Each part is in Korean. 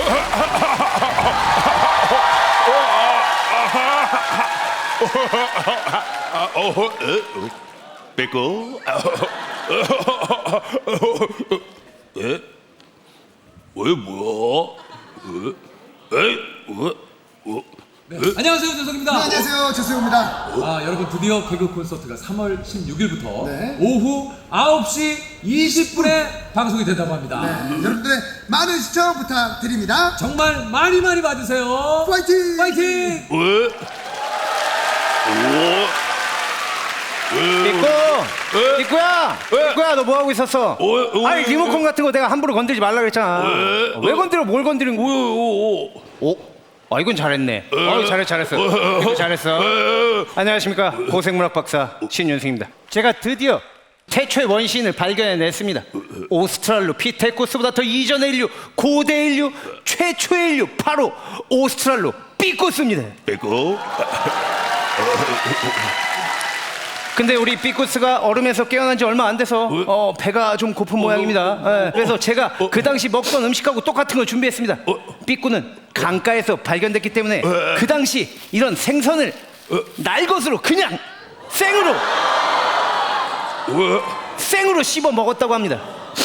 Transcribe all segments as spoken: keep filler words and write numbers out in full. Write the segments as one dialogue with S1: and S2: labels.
S1: 빼고. 에? 왜 뭐야? 에? 에? 어? 어?
S2: 네. 안녕하세요, 재석입니다.
S3: 네, 안녕하세요, 재수영입니다.
S2: 아, 여러분 드디어 개그 콘서트가 삼월 십육일부터
S3: 네.
S2: 오후 아홉 시 이십 분에 방송이 된다고 합니다.
S3: 네, 여러분들의 많은 시청 부탁드립니다.
S2: 정말 많이 많이 봐주세요.
S3: 파이팅!
S2: 파이팅!
S1: 왜? 오?
S4: 삐꾸! 삐꾸야!
S1: 왜?
S4: 삐꾸야, 너 뭐하고 있었어?
S1: 왜? 왜?
S4: 아니, 리모컨 같은 거 내가 함부로 건드리지 말라 그랬잖아.
S1: 왜?
S4: 왜 건드려? 뭘 건드린 거야?
S1: 오?
S4: 오? 아, 이건 잘했네. 어, 잘했어, 잘했어. 이거 잘했어. 안녕하십니까. 고생문학 박사 신윤승입니다. 제가 드디어 태초의 원시인을 발견해냈습니다. 오스트랄로 피테쿠스보다 더 이전의 인류, 고대 인류, 최초의 인류, 바로 오스트랄로 삐꾸스입니다.
S1: 빼고.
S4: 근데 우리 삐꾸스가 얼음에서 깨어난 지 얼마 안 돼서 어, 배가 좀 고픈 모양입니다. 예, 그래서 제가 그 당시 먹던 음식하고 똑같은 걸 준비했습니다. 삐꾸는 강가에서 발견됐기 때문에 그 당시 이런 생선을 날것으로 그냥 생으로 생으로 씹어 먹었다고 합니다.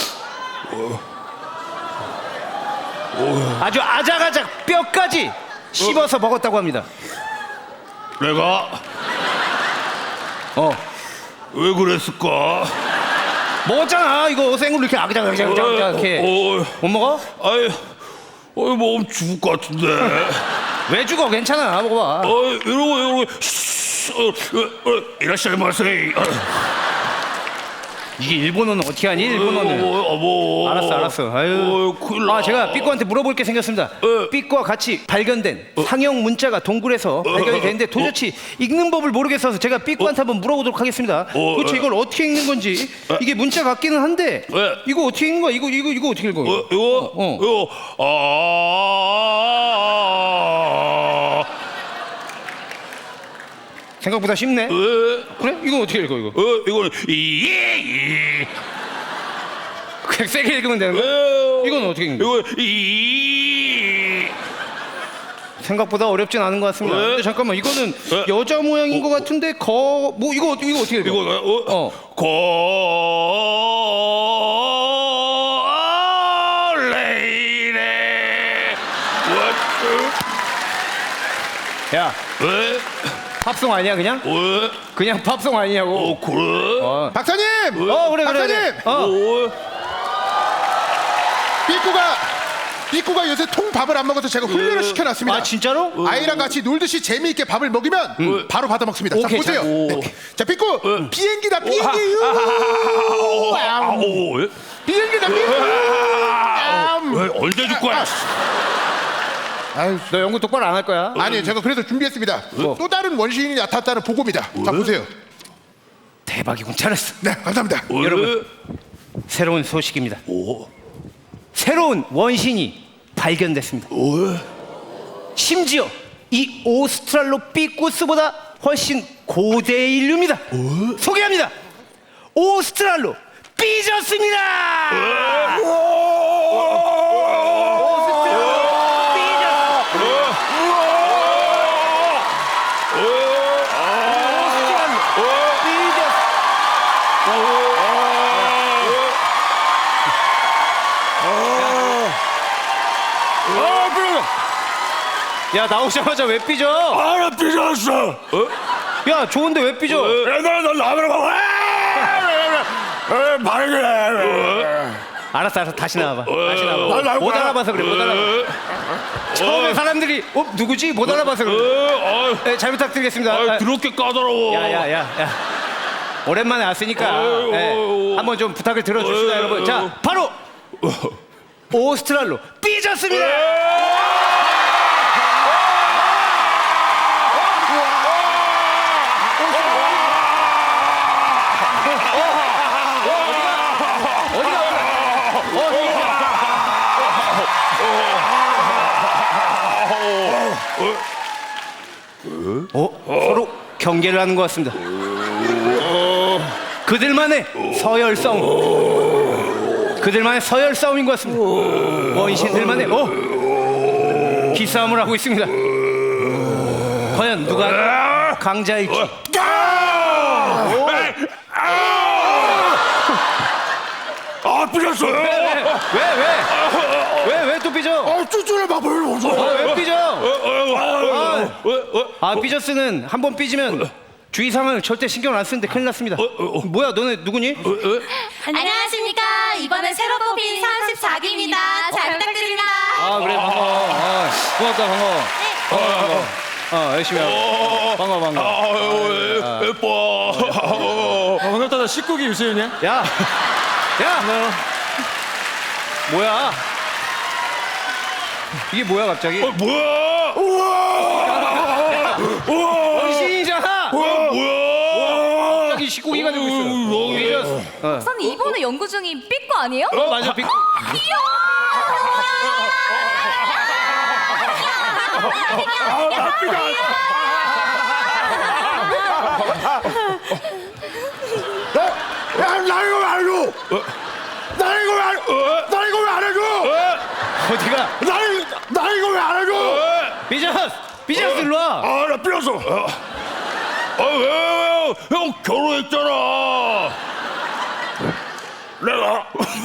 S4: 아주 아작아작 뼈까지 씹어서 먹었다고 합니다.
S1: 내가
S4: 어,
S1: 왜 그랬을까?
S4: 먹었잖아. 이거 생으로 이렇게 아작아작 이렇게.
S1: 어,
S4: 못 먹어?
S1: 아이, 어이 몸 죽을 것 같은데.
S4: 왜 죽어? 괜찮아. 먹어봐.
S1: 어, 이러고 이러고. 어, 어, 어, 이라시마세.
S4: 이게 일본어는 어떻게 하니? 일본어는.
S1: 어, 뭐.
S4: 알았어, 알았어. 아유.
S1: 어, 큰일 나.
S4: 아, 제가 삐꾸한테 물어볼 게 생겼습니다.
S1: 어.
S4: 삐꾸와 같이 발견된 상형 문자가 동굴에서 발견이 됐는데 도저히 읽는 법을 모르겠어서 제가 삐꾸한테 한번 물어보도록 하겠습니다.
S1: 어.
S4: 도대체 이걸 어떻게 읽는 건지. 이게 문자 같기는 한데
S1: 어.
S4: 이거 어떻게 읽는 거야? 이거 이거 이거 어떻게 읽어?
S1: 어, 이거?
S4: 어.
S1: 이거, 아.
S4: 생각보다 쉽네.
S1: 에?
S4: 그래? 이거 어떻게 읽어 이거?
S1: 어, 이거는, 이, 이.
S4: 그냥 세게 읽으면 되는 거야?
S1: 에,
S4: 이건 어떻게 읽는 거야?
S1: 이거, 이.
S4: 생각보다 어렵진 않은 것 같습니다.
S1: 에?
S4: 근데 잠깐만 이거는
S1: 에?
S4: 여자 모양인 것 같은데 거 뭐 이거 이거 어떻게 읽어?
S1: 이거, 어?
S4: 어.
S1: 고, 레이레.
S4: 야,
S1: 왜?
S4: 팝송 아니야 그냥?
S1: 왜?
S4: 그냥 팝송 아니냐고.
S1: 어, 그래?
S4: 어,
S3: 박사님!
S4: 어 그래 그래.
S3: 박사님!
S4: 그래. 어.
S1: 어?
S3: 삐꾸가, 삐꾸가 요새 통밥을 안 먹어서 제가 훈련을 시켜놨습니다.
S4: 아 진짜로?
S3: 아이랑 같이 놀듯이 재미있게 밥을 먹이면 바로 받아 먹습니다. 자,
S4: 오케이,
S3: 보세요.
S4: 자,
S3: 네. 자, 삐꾸! 비행기다, 비행기!
S1: 아,
S3: 우!
S1: 아,
S3: 암.
S1: 오, 왜?
S3: 비행기다, 비행기! 암.
S1: 왜? 언제 줄 거야?
S3: 아유,
S4: 너 연구 똑바로 안 할 거야?
S3: 아니, 제가 그래서 준비했습니다.
S4: 뭐?
S3: 또 다른 원시인이 나타났다는 보고입니다. 자, 보세요.
S4: 대박이군. 잘했어.
S3: 네, 감사합니다.
S1: 왜?
S4: 여러분. 새로운 소식입니다.
S1: 오,
S4: 새로운 원신이 발견됐습니다.
S1: 왜?
S4: 심지어 이 오스트랄로피쿠스보다 훨씬 고대 인류입니다. 소개합니다. 오스트랄로 삐졌습니다. 야 나오자마자 왜 삐져?
S1: 아, 나 삐졌어. 어?
S4: 야 좋은데 왜 삐져?
S1: 나, 나, 라면을 먹어. 에, 바르게.
S4: 알았어 알았어 다시 나와봐. 다시
S1: 나
S4: 나와봐.
S1: 나올
S4: 못
S1: 거야.
S4: 알아봐서 그래 못 알아봐. 처음에 사람들이 어 누구지 못 알아봐서 그래. 네, 잘 부탁드리겠습니다.
S1: 아, 더럽게 까다로워.
S4: 야야야 야, 야. 오랜만에 왔으니까
S1: 어이,
S4: 네,
S1: 어이,
S4: 한번 좀 부탁을 들어주시다
S1: 어이,
S4: 여러분. 자
S1: 어이.
S4: 바로 오스트랄로 삐졌습니다. 어? 서로 경계를 하는 것 같습니다. 그들만의 서열 싸움. 그들만의 서열 싸움인 것 같습니다. 원신들만의 어? 기싸움을 하고 있습니다. 과연 누가 강자일지.
S1: 아 삐졌어요.
S4: 왜 왜? 왜 왜 또 삐져?
S3: 아, 쭈쭈를 막 벌려서.
S4: 아, 왜 삐져?
S1: 아,
S4: 아 삐졌으는 한 번 삐지면 주위 상황을 절대 신경 안 쓰는데 큰일 났습니다. 뭐야 너네 누구니?
S5: 안녕하십니까. 이번에 새로 뽑힌 삼십사 기입니다. 잘 부탁드립니다.
S4: 아 그래 반가워. 아, 고맙다 반가워. 반가워 반가워. 어 열심히 하고. 반가워 반가워.
S1: 아유 예뻐.
S2: 어, 반갑다. 나 십구 기 유세윤이야.
S4: 야, 야, 뭐야? 이게 뭐야 갑자기?
S1: 어, 뭐야? 우와.
S4: 원신이잖아.
S1: 뭐야? 뭐야?
S4: 갑자기 십구 기가 되고 있어. 어,
S5: 선 이번에 연구 중인 삐꾸 아니에요?
S4: 어 맞아 빅.
S3: 야, 나 이거 왜 안 해줘? 나 이거 왜 안, 나 이거 왜 안 해줘?
S4: 어디가?
S3: 나, 이- 나 이거 왜 안 해줘?
S4: 비저스, 비저스 일로 와.
S1: 아나 삐졌어. 아왜왜 형 결혼했잖아. 내가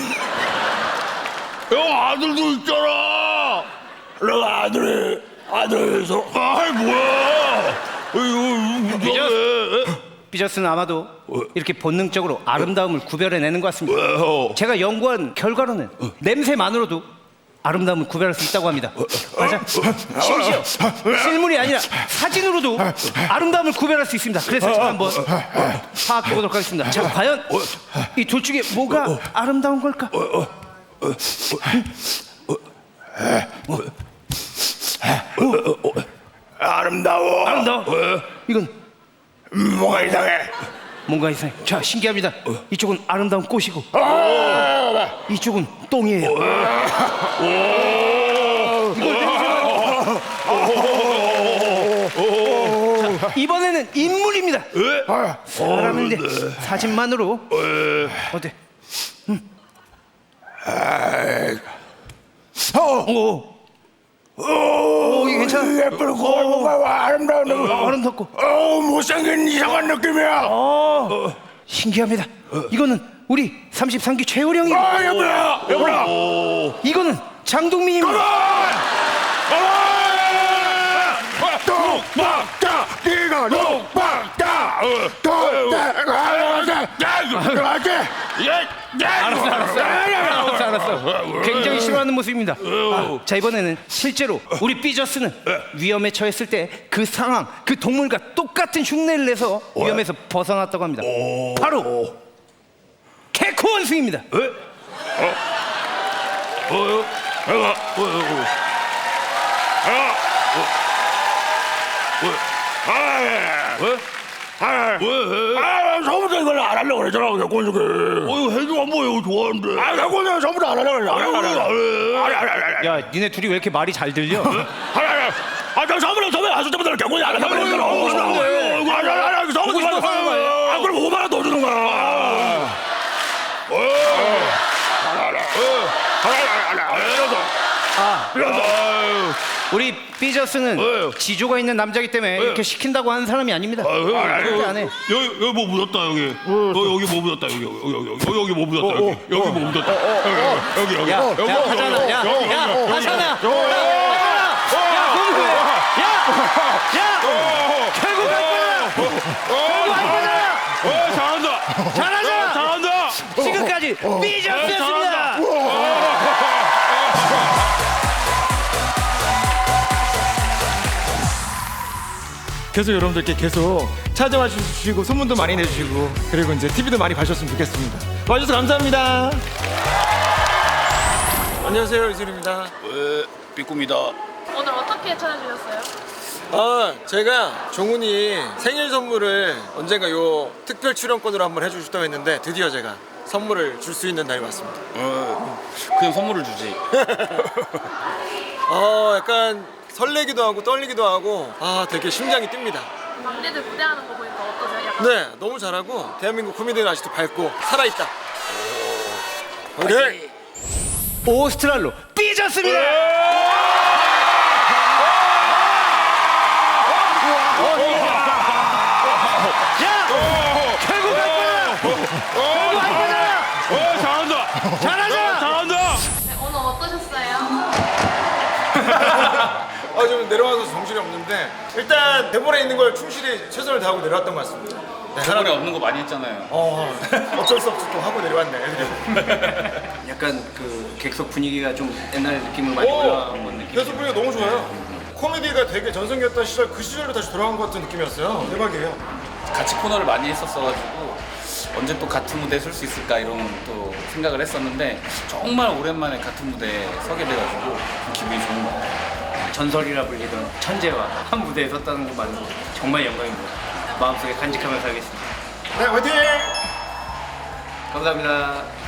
S1: 형 아들도 있잖아. 내가 아들이 아들에서 아이 뭐야? 이거
S4: 비저스. 비저스는 아마도 이렇게 본능적으로 아름다움을 구별해내는 것 같습니다.
S1: 왜요?
S4: 제가 연구한 결과로는 냄새만으로도 아름다움을 구별할 수 있다고 합니다. 맞아. 심지어 실물이 아니라 사진으로도 아름다움을 구별할 수 있습니다. 그래서 제가 한번 파악해 보도록 하겠습니다. 자, 과연 이 둘 중에 뭐가 아름다운 걸까?
S1: 아름다워.
S4: 아름다워. 이건
S1: 뭐가 이상해?
S4: 뭔가 이상해. 자, 신기합니다. 이쪽은 아름다운 꽃이고 이쪽은 똥이에요. 자, 이번에는 인물입니다. 사람인데 사진만으로 어때? 오, 오, 이게 괜찮아?
S1: 예쁘고 뭔가 아름다운 느
S4: 아름답고
S1: 어 못생긴 이상한 느낌이야.
S4: 신기합니다. 이거는 우리 삼십삼 기 최호령이.
S1: 아 예쁘다. 예쁘다.
S4: 이거는 장동민입니다.
S1: 똑박다 네가 똑박다
S4: 알았어, 알았어, 알았어, 알았어. 굉장히 싫어하는 모습입니다. 아, 자 이번에는 실제로 우리 삐저스는 위험에 처했을 때 그 상황, 그 동물과 똑같은 흉내를 내서 위험에서 벗어났다고 합니다. 바로 개코 원숭이입니다.
S1: 어요? 내가 어요? 아, 왜? 아, 왜? 아, 처음부터 이걸 안 하려고 그랬잖아, 개콘주게. 어, 이거 해주면 뭐 이거 좋아하는데. 아, 개콘주가 처음부터 안 하려고 그랬잖아. 안 해, 안 해. 아니, 아니, 아니.
S4: 야, 니네 둘이 왜 이렇게 말이 잘 들려?
S1: 아니, 아니. 아, 저 처음부터 처음에 하실 때부터 개콘이 안 하려고 그랬잖아.
S4: 보고 싶은데.
S1: 아니, 아니, 아니. 처음부터
S4: 보고 싶어서 하는 거야.
S1: 아, 그럼 오만 원 더 주는 거야. 어. 어. 아니, 아니, 아니. 아니, 이러서.
S4: 아,
S1: 이러서.
S4: 우리 삐저스는
S1: 왜요?
S4: 지조가 있는 남자이기 때문에 이렇게 시킨다고 하는 사람이 아닙니다. 절대 안 해.
S1: 여기 여기 뭐 묻었다 여기. 어, 여기 뭐 묻었다 여기 여기 여기 여기 여기 뭐 묻었다 여기 여기 뭐 묻었다 여기 여기
S4: 야,
S1: 여기
S4: 야,
S1: 여기
S4: 하잖아. 야, 야, 하잖아. 야, 야, 공부해. 야, 야, 결국 할 거야. 결국 할 거잖아.
S1: 어 잘한다
S4: 잘하잖아.
S1: 잘한다.
S4: 지금까지 삐저스였습니다.
S2: 계속 여러분들께 계속 찾아와 주시고 소문도 많이 내주시고 그리고 이제 티비도 많이 봐주셨으면 좋겠습니다. 와주셔서 감사합니다. 안녕하세요, 이슬입니다.
S1: 왜 삐꾸입니다.
S6: 오늘 어떻게 찾아주셨어요?
S2: 아, 제가 종훈이 생일 선물을 언젠가 요 특별 출연권으로 한번 해주셨다고 했는데 드디어 제가 선물을 줄 수 있는 날이 왔습니다.
S1: 어 그냥 선물을 주지.
S2: 아, 약간 설레기도 하고 떨리기도 하고 아, 되게 심장이 뜁니다.
S6: 막내들 무대하는 거 보니까 어떠세요? 약간
S2: 네, 너무 잘하고 대한민국 국민들은 아직도 밝고 살아있다. 오케이.
S4: 오스트랄로 삐졌습니다. 결국 갈 거야. 결국 갈 거잖아.
S1: 어, 잘한다.
S4: 잘하잖아.
S1: 잘한다.
S6: 네, 오늘 어떠셨어요?
S2: 아, 좀 내려와서 정신이 없는데 일단 대본에 있는 걸 충실히 최선을 다하고 내려왔던 것 같습니다. 네,
S7: 대본에 없는 거 많이 했잖아요.
S2: 어, 어쩔 수 없이 또 하고 내려왔네 애들이.
S4: 약간 그 객석 분위기가 좀 옛날 느낌으로 많이 올라온 건 느낌.
S2: 계속 분위기가 너무 좋아요. 코미디가 되게 전성기였던 시절 그 시절로 다시 돌아간 것 같은 느낌이었어요. 대박이에요.
S7: 같이 코너를 많이 했었어가지고 언제 또 같은 무대에 설 수 있을까 이런 또 생각을 했었는데 정말 오랜만에 같은 무대에 서게 돼가지고 기분이 좋은 것 같아요.
S4: 전설이라 불리던 천재와 한 무대에 섰다는 것만으로 정말 영광입니다. 마음속에 간직하면서 하겠습니다.
S2: 네, 화이팅!
S4: 감사합니다.